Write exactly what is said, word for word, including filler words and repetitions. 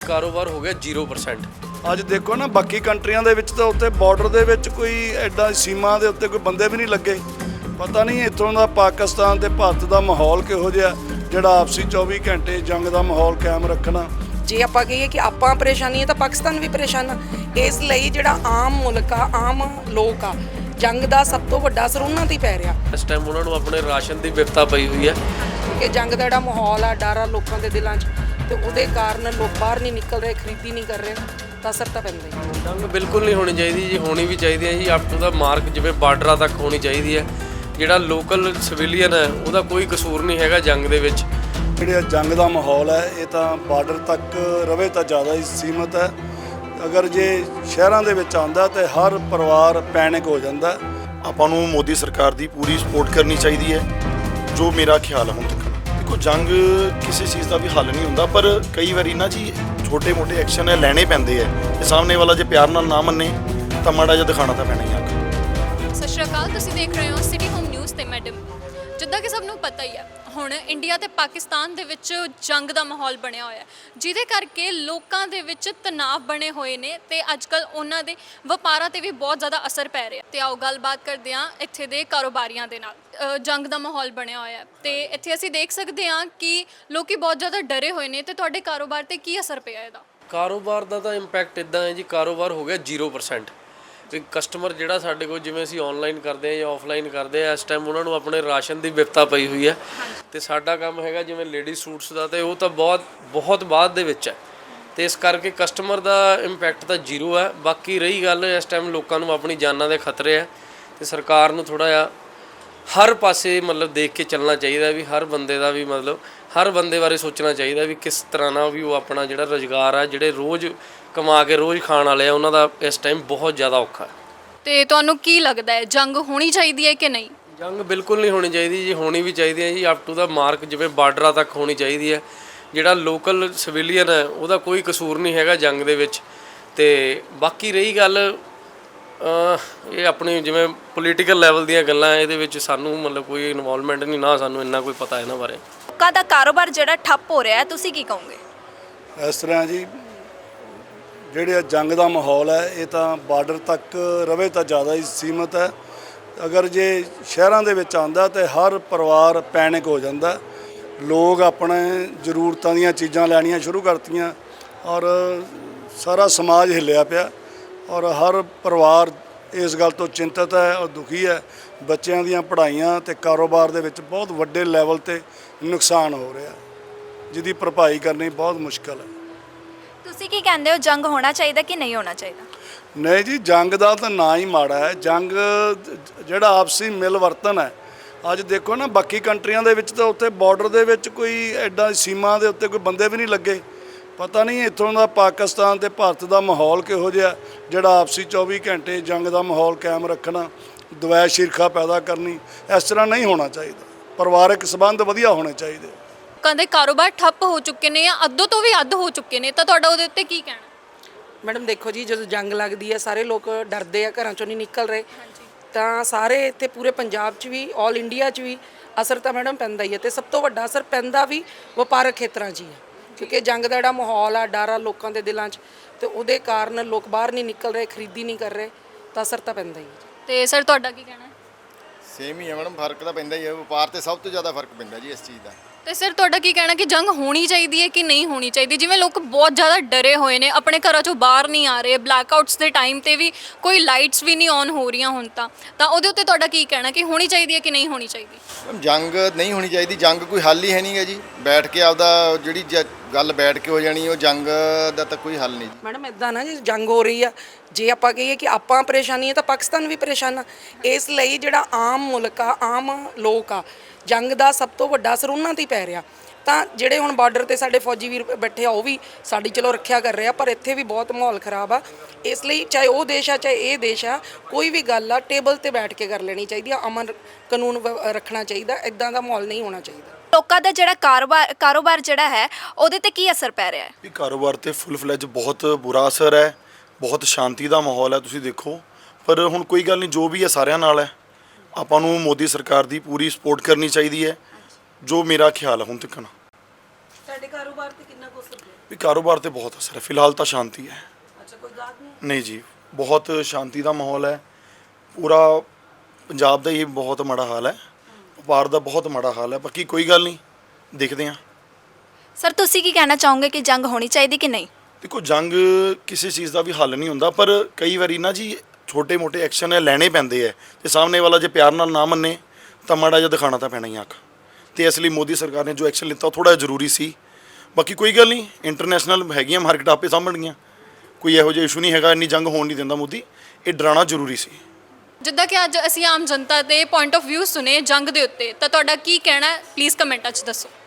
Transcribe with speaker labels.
Speaker 1: ਕਾਰੋਬਾਰ ਹੋ ਗਿਆ ਜ਼ੀਰੋ ਪਰਸੈਂਟ।
Speaker 2: ਅੱਜ ਦੇਖੋ ਨਾ ਬਾਕੀ ਕੰਟਰੀਆਂ ਦੇ ਵਿੱਚ ਤਾਂ ਉੱਤੇ ਬਾਰਡਰ ਦੇ ਵਿੱਚ ਕੋਈ ਐਡਾ ਸੀਮਾ ਦੇ ਉੱਤੇ ਕੋਈ ਬੰਦੇ ਵੀ ਨਹੀਂ ਲੱਗੇ। ਪਤਾ ਨਹੀਂ ਇੱਥੋਂ ਦਾ ਪਾਕਿਸਤਾਨ ਤੇ ਭਾਰਤ ਦਾ ਮਾਹੌਲ ਕਿਹੋ ਜਿਹਾ ਜਿਹੜਾ ਆਪਸੀ ਚੌਵੀ ਘੰਟੇ ਜੰਗ ਦਾ ਮਾਹੌਲ ਕਾਇਮ ਰੱਖਣਾ।
Speaker 3: ਜੇ ਆਪਾਂ ਕਹੀਏ ਕਿ ਆਪਾਂ ਪਰੇਸ਼ਾਨੀ ਹੈ ਤਾਂ ਪਾਕਿਸਤਾਨ ਵੀ ਪਰੇਸ਼ਾਨ ਆ। ਇਸ ਲਈ ਜਿਹੜਾ ਆਮ ਮੁਲਕ ਆ, ਆਮ ਲੋਕ ਆ, ਜੰਗ ਦਾ ਸਭ ਤੋਂ ਵੱਡਾ ਅਸਰ ਉਹਨਾਂ ਤੇ ਹੀ ਪੈ ਰਿਹਾ।
Speaker 1: ਇਸ ਟਾਈਮ ਉਹਨਾਂ ਨੂੰ ਆਪਣੇ ਰਾਸ਼ਨ ਦੀ ਵਿਪਤਾ ਪਈ ਹੋਈ ਹੈ
Speaker 3: ਕਿ ਜੰਗ ਦਾ ਜਿਹੜਾ ਮਾਹੌਲ ਆ, ਡਰ ਆ ਲੋਕਾਂ ਦੇ ਦਿਲਾਂ 'ਚ, ਤੇ ਉਹਦੇ ਕਾਰਨ ਲੋਕ ਬਾਹਰ ਨਹੀਂ ਨਿਕਲ ਰਹੇ, ਖਰੀਦੀ ਨਹੀਂ ਕਰ ਰਹੇ, ਤਾਂ ਅਸਰ ਤਾਂ ਪੈਂਦਾ ਹੀ।
Speaker 1: ਜੰਗ ਬਿਲਕੁਲ ਨਹੀਂ ਹੋਣੀ ਚਾਹੀਦੀ ਜੀ, ਹੋਣੀ ਵੀ ਚਾਹੀਦੀ ਹੈ ਜੀ ਅਪ ਟੂ ਦਾ ਮਾਰਕ, ਜਿਵੇਂ ਬਾਰਡਰਾਂ ਤੱਕ ਹੋਣੀ ਚਾਹੀਦੀ ਹੈ। ਜਿਹੜਾ ਲੋਕਲ ਸਿਵਿਲੀਅਨ ਹੈ ਉਹਦਾ ਕੋਈ ਕਸੂਰ ਨਹੀਂ ਹੈਗਾ ਜੰਗ ਦੇ ਵਿੱਚ।
Speaker 2: ਜਿਹੜਾ ਜੰਗ ਦਾ ਮਾਹੌਲ ਹੈ ਇਹ ਤਾਂ ਬਾਰਡਰ ਤੱਕ ਰਵੇ ਤਾਂ ਜ਼ਿਆਦਾ ਹੀ ਸੀਮਤ ਹੈ। ਅਗਰ ਜੇ ਸ਼ਹਿਰਾਂ ਦੇ ਵਿੱਚ ਆਉਂਦਾ ਤਾਂ ਹਰ ਪਰਿਵਾਰ ਪੈਨਿਕ ਹੋ ਜਾਂਦਾ।
Speaker 4: ਆਪਾਂ ਨੂੰ ਮੋਦੀ ਸਰਕਾਰ ਦੀ ਪੂਰੀ ਸਪੋਰਟ ਕਰਨੀ ਚਾਹੀਦੀ ਹੈ, ਜੋ ਮੇਰਾ ਖਿਆਲ ਹੈ। ਹੁਣ ਤੱਕ ਦੇਖੋ ਜੰਗ ਕਿਸੇ ਚੀਜ਼ ਦਾ ਵੀ ਹੱਲ ਨਹੀਂ ਹੁੰਦਾ, ਪਰ ਕਈ ਵਾਰੀ ਨਾ ਜੀ ਛੋਟੇ ਮੋਟੇ ਐਕਸ਼ਨ ਹੈ ਲੈਣੇ ਪੈਂਦੇ ਹੈ। ਤੇ ਸਾਹਮਣੇ ਵਾਲਾ ਜੇ ਪਿਆਰ ਨਾਲ ਨਾ ਮੰਨੇ ਤਾਂ ਮਾੜਾ ਜਿਹਾ ਦਿਖਾਣਾ ਤਾਂ ਪੈਣਾ ਹੀ ਆ।
Speaker 5: ਸਤਿ ਸ਼੍ਰੀ ਅਕਾਲ, ਤੁਸੀਂ ਦੇਖ ਰਹੇ ਹੋ ਸਿਟੀ ਹੋਮ ਨਿਊਜ਼ ਤੇ ਮੈਡਮ। ਜਿੱਦਾਂ ਕਿ ਸਭ ਨੂੰ ਪਤਾ ਹੀ ਹੈ, ਹੁਣ ਇੰਡੀਆ ਤੇ ਪਾਕਿਸਤਾਨ ਦੇ ਵਿੱਚ ਜੰਗ ਦਾ ਮਾਹੌਲ ਬਣਿਆ ਹੋਇਆ, ਜਿਹਦੇ ਕਰਕੇ ਲੋਕਾਂ ਦੇ ਵਿੱਚ ਤਣਾਅ ਬਣੇ ਹੋਏ ਨੇ ਤੇ ਅੱਜਕੱਲ ਉਹਨਾਂ ਦੇ ਵਪਾਰਾਂ ਤੇ ਵੀ ਬਹੁਤ ਜ਼ਿਆਦਾ ਅਸਰ ਪੈ ਰਿਹਾ। ਤੇ ਆਓ ਗੱਲਬਾਤ ਕਰਦੇ ਹਾਂ ਇੱਥੇ ਦੇ ਕਾਰੋਬਾਰੀਆਂ ਦੇ ਨਾਲ। ਜੰਗ ਦਾ ਮਾਹੌਲ ਬਣਿਆ ਹੋਇਆ ਤੇ ਇੱਥੇ ਅਸੀਂ ਦੇਖ ਸਕਦੇ ਹਾਂ ਕਿ ਲੋਕੀ ਬਹੁਤ ਜ਼ਿਆਦਾ ਡਰੇ ਹੋਏ ਨੇ। ਤੇ ਤੁਹਾਡੇ ਕਾਰੋਬਾਰ ਤੇ ਕੀ ਅਸਰ ਪਿਆ ਇਹਦਾ?
Speaker 1: ਕਾਰੋਬਾਰ ਦਾ ਤਾਂ ਇੰਪੈਕਟ ਇੱਦਾਂ ਹੈ ਜੀ, ਕਾਰੋਬਾਰ ਹੋ ਗਿਆ ਜ਼ੀਰੋ ਪਰਸੈਂਟ। ਤੇ ਕਸਟਮਰ ਜਿਹੜਾ ਸਾਡੇ ਕੋਲ, ਜਿਵੇਂ ਅਸੀਂ ਆਨਲਾਈਨ ਕਰਦੇ ਹਾਂ ਜਾਂ ਆਫਲਾਈਨ ਕਰਦੇ ਹਾਂ, ਇਸ ਟਾਈਮ ਉਹਨਾਂ ਨੂੰ ਆਪਣੇ ਰਾਸ਼ਨ ਦੀ ਵਿਪਤਾ ਪਈ ਹੋਈ ਹੈ। ਤੇ ਸਾਡਾ ਕੰਮ ਹੈਗਾ ਜਿਵੇਂ ਲੇਡੀ ਸੂਟਸ ਦਾ, ਤੇ ਉਹ ਤਾਂ ਬਹੁਤ ਬਹੁਤ ਬਾਅਦ ਦੇ ਵਿੱਚ ਹੈ। ਤੇ ਇਸ ਕਰਕੇ ਕਸਟਮਰ ਦਾ ਇੰਪੈਕਟ ਤਾਂ ਜ਼ੀਰੋ ਹੈ। ਬਾਕੀ ਰਹੀ ਗੱਲ, ਇਸ ਟਾਈਮ ਲੋਕਾਂ ਨੂੰ ਆਪਣੀ ਜਾਨਾਂ ਦੇ ਖਤਰੇ ਹੈ ਤੇ ਸਰਕਾਰ ਨੂੰ ਥੋੜ੍ਹਾ ਜਿਹਾ ਹਰ ਪਾਸੇ ਮਤਲਬ ਦੇਖ ਕੇ ਚੱਲਣਾ ਚਾਹੀਦਾ ਵੀ ਹਰ ਬੰਦੇ ਦਾ ਵੀ ਮਤਲਬ ਹਰ ਬੰਦੇ ਬਾਰੇ ਸੋਚਣਾ ਚਾਹੀਦਾ ਵੀ ਕਿਸ ਤਰ੍ਹਾਂ ਨਾਲ ਵੀ ਉਹ ਆਪਣਾ ਜਿਹੜਾ ਰੁਜ਼ਗਾਰ ਆ, ਜਿਹੜੇ ਰੋਜ਼ ਕਮਾ ਕੇ ਰੋਜ਼ ਖਾਣ ਵਾਲੇ ਆ, ਉਹਨਾਂ ਦਾ ਇਸ ਟਾਈਮ ਬਹੁਤ ਜ਼ਿਆਦਾ ਔਖਾ ਹੈ।
Speaker 5: ਤੇ ਤੁਹਾਨੂੰ ਕੀ ਲੱਗਦਾ ਹੈ, ਜੰਗ ਹੋਣੀ ਚਾਹੀਦੀ ਹੈ ਕਿ ਨਹੀਂ?
Speaker 1: ਜੰਗ ਬਿਲਕੁਲ ਨਹੀਂ ਹੋਣੀ ਚਾਹੀਦੀ ਜੀ, ਹੋਣੀ ਵੀ ਚਾਹੀਦੀ ਹੈ ਜੀ ਅਪ ਟੂ ਦਾ ਮਾਰਕ, ਜਿਵੇਂ ਬਾਰਡਰਾਂ ਤੱਕ ਹੋਣੀ ਚਾਹੀਦੀ ਹੈ। ਜਿਹੜਾ ਲੋਕਲ ਸਿਵਿਲੀਅਨ ਹੈ ਉਹਦਾ ਕੋਈ ਕਸੂਰ ਨਹੀਂ ਹੈਗਾ ਜੰਗ ਦੇ ਵਿੱਚ। ਤੇ ਬਾਕੀ ਰਹੀ ਗੱਲ ਇਹ ਆਪਣੀ ਜਿਵੇਂ ਪੋਲੀਟੀਕਲ ਲੈਵਲ ਦੀਆਂ ਗੱਲਾਂ, ਇਹਦੇ ਵਿੱਚ ਸਾਨੂੰ ਮਤਲਬ ਕੋਈ ਇਨਵੋਲਵਮੈਂਟ ਨਹੀਂ, ਨਾ ਸਾਨੂੰ ਇੰਨਾ ਕੋਈ ਪਤਾ ਇਹਨਾਂ ਬਾਰੇ।
Speaker 5: ਲੋਕਾਂ ਦਾ ਕਾਰੋਬਾਰ ਜਿਹੜਾ ਠੱਪ ਹੋ ਰਿਹਾ ਹੈ, ਤੁਸੀਂ ਕੀ ਕਹੋਗੇ?
Speaker 2: ਇਸ ਤਰ੍ਹਾਂ ਜੀ ਜਿਹੜੇ ਜੰਗ ਦਾ ਮਾਹੌਲ ਹੈ ਇਹ ਤਾਂ ਬਾਰਡਰ ਤੱਕ ਰਵੇ ਤਾਂ ਜ਼ਿਆਦਾ ਹੀ ਸੀਮਤ ਹੈ। ਅਗਰ ਜੇ ਸ਼ਹਿਰਾਂ ਦੇ ਵਿੱਚ ਆਉਂਦਾ ਤਾਂ ਹਰ ਪਰਿਵਾਰ ਪੈਨਿਕ ਹੋ ਜਾਂਦਾ। ਲੋਕ ਆਪਣੇ ਜ਼ਰੂਰਤਾਂ ਦੀਆਂ ਚੀਜ਼ਾਂ ਲੈਣੀਆਂ ਸ਼ੁਰੂ ਕਰਤੀਆਂ ਔਰ ਸਾਰਾ ਸਮਾਜ ਹਿੱਲਿਆ ਪਿਆ ਔਰ ਹਰ ਪਰਿਵਾਰ ਇਸ ਗੱਲ ਤੋਂ ਚਿੰਤਤ ਹੈ ਔਰ ਦੁਖੀ ਹੈ। ਬੱਚਿਆਂ ਦੀਆਂ ਪੜ੍ਹਾਈਆਂ ਤੇ ਕਾਰੋਬਾਰ ਦੇ ਵਿੱਚ ਬਹੁਤ ਵੱਡੇ ਲੈਵਲ ਤੇ ਨੁਕਸਾਨ ਹੋ ਰਿਹਾ, ਜਿਹਦੀ ਭਰਪਾਈ ਕਰਨੀ ਬਹੁਤ ਮੁਸ਼ਕਲ ਹੈ।
Speaker 5: ਤੁਸੀਂ ਕੀ ਕਹਿੰਦੇ ਹੋ, ਜੰਗ ਹੋਣਾ ਚਾਹੀਦਾ ਕਿ ਨਹੀਂ ਹੋਣਾ ਚਾਹੀਦਾ?
Speaker 2: ਨਹੀਂ ਜੀ, ਜੰਗ ਦਾ ਤਾਂ ਨਾ ਹੀ ਮਾੜਾ ਹੈ। ਜੰਗ ਜਿਹੜਾ ਆਪਸੀ ਮਿਲਵਰਤਨ ਹੈ, ਅੱਜ ਦੇਖੋ ਨਾ ਬਾਕੀ ਕੰਟਰੀਆਂ ਦੇ ਵਿੱਚ ਤਾਂ ਉੱਤੇ ਬਾਰਡਰ ਦੇ ਵਿੱਚ ਕੋਈ ਐਡਾ ਸੀਮਾ ਦੇ ਉੱਤੇ ਕੋਈ ਬੰਦੇ ਵੀ ਨਹੀਂ ਲੱਗੇ। ਪਤਾ ਨਹੀਂ ਇੱਥੋਂ ਦਾ ਪਾਕਿਸਤਾਨ ਤੇ ਭਾਰਤ ਦਾ ਮਾਹੌਲ ਕਿਹੋ ਜਿਹਾ ਜਿਹੜਾ ਆਪਸੀ ਚੌਵੀ ਘੰਟੇ ਜੰਗ ਦਾ ਮਾਹੌਲ ਕਾਇਮ ਰੱਖਣਾ, ਦਵੈਸ਼ ਈਰਖਾ ਪੈਦਾ ਕਰਨੀ। ਇਸ ਤਰ੍ਹਾਂ ਨਹੀਂ ਹੋਣਾ ਚਾਹੀਦਾ। ਪਰਿਵਾਰਕ ਸੰਬੰਧ ਵਧੀਆ ਹੋਣੇ ਚਾਹੀਦੇ।
Speaker 5: ਲੋਕਾਂ ਦੇ ਕਾਰੋਬਾਰ ਠੱਪ ਹੋ ਚੁੱਕੇ ਨੇ ਜਾਂ ਅੱਧੋ ਤੋਂ ਵੀ ਅੱਧ ਹੋ ਚੁੱਕੇ ਨੇ, ਤਾਂ ਤੁਹਾਡਾ ਉਹਦੇ ਉੱਤੇ ਕੀ ਕਹਿਣਾ?
Speaker 3: ਮੈਡਮ ਦੇਖੋ ਜੀ, ਜਦੋਂ ਜੰਗ ਲੱਗਦੀ ਹੈ ਸਾਰੇ ਲੋਕ ਡਰਦੇ ਆ, ਘਰਾਂ ਚੋਂ ਨਹੀਂ ਨਿਕਲ ਰਹੇ। ਤਾਂ ਸਾਰੇ ਇੱਥੇ ਪੂਰੇ ਪੰਜਾਬ 'ਚ ਵੀ, ਆਲ ਇੰਡੀਆ 'ਚ ਵੀ ਅਸਰ ਤਾਂ ਮੈਡਮ ਪੈਂਦਾ ਹੀ ਹੈ। ਤੇ ਸਭ ਤੋਂ ਵੱਡਾ ਅਸਰ ਪੈਂਦਾ ਵੀ ਵਪਾਰਕ ਖੇਤਰਾਂ 'ਚ ਹੀ ਹੈ, ਕਿਉਂਕਿ ਜੰਗ ਦਾ ਜਿਹੜਾ ਮਾਹੌਲ ਆ, ਡਰ ਆ ਲੋਕਾਂ ਦੇ ਦਿਲਾਂ 'ਚ, ਤੇ ਉਹਦੇ ਕਾਰਨ ਲੋਕ ਬਾਹਰ ਨਹੀਂ ਨਿਕਲ ਰਹੇ, ਖਰੀਦੀ ਨਹੀਂ ਕਰ ਰਹੇ, ਤਾਂ ਅਸਰ ਤਾਂ ਪੈਂਦਾ ਹੀ ਹੈ।
Speaker 5: ਤੇ ਸਰ ਤੁਹਾਡਾ ਕੀ ਕਹਿਣਾ?
Speaker 6: ਸੇਮ ਹੀ ਹੈ ਮੈਡਮ, ਫਰਕ ਤਾਂ ਪੈਂਦਾ ਹੀ ਹੈ। ਵਪਾਰ ਤੇ ਸਭ ਤੋਂ ਜ਼ਿਆਦਾ ਫਰਕ ਪੈਂਦਾ ਜੀ ਇਸ ਚੀਜ਼ ਦਾ।
Speaker 5: ਤੇ ਸਰ ਤੁਹਾਡਾ ਕੀ ਕਹਿਣਾ ਕਿ ਜੰਗ ਹੋਣੀ ਚਾਹੀਦੀ ਹੈ ਕਿ ਨਹੀਂ ਹੋਣੀ ਚਾਹੀਦੀ? ਜਿਵੇਂ ਲੋਕ ਬਹੁਤ ਜ਼ਿਆਦਾ ਡਰੇ ਹੋਏ ਨੇ, ਆਪਣੇ ਘਰਾਂ ਚੋਂ ਬਾਹਰ ਨਹੀਂ ਆ ਰਹੇ, ਬਲੈਕਆਊਟਸ ਦੇ ਟਾਈਮ ਤੇ ਵੀ ਕੋਈ ਲਾਈਟਸ ਵੀ ਨਹੀਂ ਔਨ ਹੋ ਰਹੀਆਂ ਹੁਣ ਤਾਂ ਤਾਂ ਉਹਦੇ ਉੱਤੇ ਤੁਹਾਡਾ ਕੀ ਕਹਿਣਾ ਕਿ ਹੋਣੀ ਚਾਹੀਦੀ ਹੈ ਕਿ ਨਹੀਂ ਹੋਣੀ ਚਾਹੀਦੀ?
Speaker 6: ਜੰਗ ਨਹੀਂ ਹੋਣੀ ਚਾਹੀਦੀ। ਜੰਗ ਕੋਈ ਹੱਲ ਹੀ ਹੈ ਨਹੀਂ ਗਾ ਜੀ। ਬੈਠ ਕੇ ਆਪਦਾ ਜਿਹੜੀ ਗੱਲ ਬੈਠ ਕੇ ਹੋ ਜਾਣੀ, ਉਹ ਜੰਗ ਦਾ ਤਾਂ ਕੋਈ ਹੱਲ ਨਹੀਂ ਜੀ।
Speaker 3: ਮੈਡਮ ਇੱਦਾਂ ਨਾ, ਜੀ ਜੰਗ ਹੋ ਰਹੀ ਆ, ਜੇ ਆਪਾਂ ਕਹੀਏ ਕਿ ਆਪਾਂ ਪਰੇਸ਼ਾਨੀ ਹੈ ਤਾਂ ਪਾਕਿਸਤਾਨ ਵੀ ਪਰੇਸ਼ਾਨ ਆ। ਇਸ ਲਈ ਜਿਹੜਾ ਆਮ ਮੁਲਕ ਆ, ਆਮ ਲੋਕ ਆ, ਜੰਗ ਦਾ ਸਭ ਤੋਂ ਵੱਡਾ ਅਸਰ ਉਹਨਾਂ ਤੇ ਹੀ ਪੈ ਰਿਹਾ। ਤਾਂ ਜਿਹੜੇ ਹੁਣ ਬਾਰਡਰ ਤੇ ਸਾਡੇ ਫੌਜੀ ਵੀਰ ਬੈਠੇ ਆ, ਉਹ ਵੀ ਸਾਡੀ ਚਲੋ ਰੱਖਿਆ ਕਰ ਰਹੇ ਆ, ਪਰ ਇੱਥੇ ਵੀ ਬਹੁਤ ਮਾਹੌਲ ਖਰਾਬ ਆ। ਇਸ ਲਈ ਚਾਹੇ ਉਹ ਦੇਸ਼ ਆ ਚਾਹੇ ਇਹ ਦੇਸ਼ ਆ, ਕੋਈ ਵੀ ਗੱਲ ਆ ਟੇਬਲ ਤੇ ਬੈਠ ਕੇ ਕਰ ਲੈਣੀ ਚਾਹੀਦੀ ਆ। ਅਮਨ ਕਾਨੂੰਨ ਰੱਖਣਾ ਚਾਹੀਦਾ, ਇੱਦਾਂ ਦਾ ਮਾਹੌਲ ਨਹੀਂ ਹੋਣਾ ਚਾਹੀਦਾ।
Speaker 5: ਲੋਕਾਂ ਦਾ ਜਿਹੜਾ ਕਾਰੋਬਾਰ ਕਾਰੋਬਾਰ ਜਿਹੜਾ ਹੈ ਉਹਦੇ ਤੇ ਕੀ ਅਸਰ ਪੈ ਰਿਹਾ ਹੈ?
Speaker 4: ਵੀ ਕਾਰੋਬਾਰ ਤੇ ਫੁੱਲ ਫਲੈਜ ਬਹੁਤ ਬੁਰਾ ਅਸਰ ਹੈ। ਬਹੁਤ ਸ਼ਾਂਤੀ ਦਾ ਮਾਹੌਲ ਹੈ, ਤੁਸੀਂ ਦੇਖੋ। ਪਰ ਹੁਣ ਕੋਈ ਗੱਲ ਨਹੀਂ, ਜੋ ਵੀ ਹੈ ਸਾਰਿਆਂ ਨਾਲ ਹੈ। ਆਪਾਂ ਨੂੰ ਮੋਦੀ ਸਰਕਾਰ ਦੀ ਪੂਰੀ ਸਪੋਰਟ ਕਰਨੀ ਚਾਹੀਦੀ ਹੈ, ਜੋ ਮੇਰਾ ਖਿਆਲ ਹੈ ਹੁਣ ਤੱਕ।
Speaker 3: ਸਾਡੇ ਕਾਰੋਬਾਰ ਤੇ ਕਿੰਨਾ ਕੁ ਅਸਰ ਪਿਆ?
Speaker 4: ਵੀ ਕਾਰੋਬਾਰ ਤੇ ਬਹੁਤ ਅਸਰ ਹੈ। ਫਿਲਹਾਲ ਤਾਂ ਸ਼ਾਂਤੀ ਹੈ।
Speaker 3: ਅੱਛਾ, ਕੋਈ ਗਾਹਕ ਨਹੀਂ?
Speaker 4: ਨਹੀਂ ਜੀ, ਬਹੁਤ ਸ਼ਾਂਤੀ ਦਾ ਮਾਹੌਲ ਹੈ। ਪੂਰਾ ਪੰਜਾਬ ਦਾ ਹੀ ਬਹੁਤ ਮਾੜਾ ਹਾਲ ਹੈ, ਵਪਾਰ ਦਾ ਬਹੁਤ ਮਾੜਾ ਹਾਲ ਹੈ। ਬਾਕੀ ਕੋਈ ਗੱਲ ਨਹੀਂ, ਦੇਖਦੇ ਹਾਂ।
Speaker 5: ਸਰ ਤੁਸੀਂ ਕੀ ਕਹਿਣਾ ਚਾਹੋਗੇ ਕਿ ਜੰਗ ਹੋਣੀ ਚਾਹੀਦੀ ਕਿ ਨਹੀਂ?
Speaker 4: ਦੇਖੋ, ਜੰਗ ਕਿਸੇ ਚੀਜ਼ ਦਾ ਵੀ ਹੱਲ ਨਹੀਂ ਹੁੰਦਾ, ਪਰ ਕਈ ਵਾਰੀ ਨਾ ਜੀ ਛੋਟੇ ਮੋਟੇ ਐਕਸ਼ਨ ਹੈ ਲੈਣੇ ਪੈਂਦੇ ਹੈ। ਤੇ ਸਾਹਮਣੇ ਵਾਲਾ ਜੇ ਪਿਆਰ ਨਾਲ ਨਾ ਮੰਨੇ ਤਾਂ ਮਾੜਾ ਜਿਹਾ ਦਿਖਾਣਾ ਤਾਂ ਪੈਣਾ ਹੀ ਅੱਖ। ਤੇ ਇਸ ਲਈ ਮੋਦੀ ਸਰਕਾਰ ਨੇ ਜੋ ਐਕਸ਼ਨ ਲਿੱਤਾ ਉਹ ਥੋੜਾ ਜ਼ਰੂਰੀ ਸੀ। ਬਾਕੀ ਕੋਈ ਗੱਲ ਨਹੀਂ, ਇੰਟਰਨੈਸ਼ਨਲ ਹੈਗੀਆਂ ਮਾਰਕੀਟ ਆਪੇ ਸਾਂਭਣਗੀਆਂ, ਕੋਈ ਇਹੋ ਜਿਹਾ ਇਸ਼ੂ ਨਹੀਂ ਹੈਗਾ। ਇੰਨੀ ਜੰਗ ਹੋਣ ਨਹੀਂ ਦਿੰਦਾ ਮੋਦੀ, ਇਹ ਡਰਾਉਣਾ ਜ਼ਰੂਰੀ ਸੀ।
Speaker 5: ਜਿੱਦਾਂ ਕਿ ਅੱਜ ਅਸੀਂ ਆਮ ਜਨਤਾ ਦੇ ਪੁਆਇੰਟ ਆਫ View ਸੁਣੇ ਜੰਗ ਦੇ ਉੱਤੇ, ਤਾਂ ਤੁਹਾਡਾ ਕੀ ਕਹਿਣਾ ਹੈ ਪਲੀਜ਼ ਕਮੈਂਟਾਂ 'ਚ ਦੱਸੋ।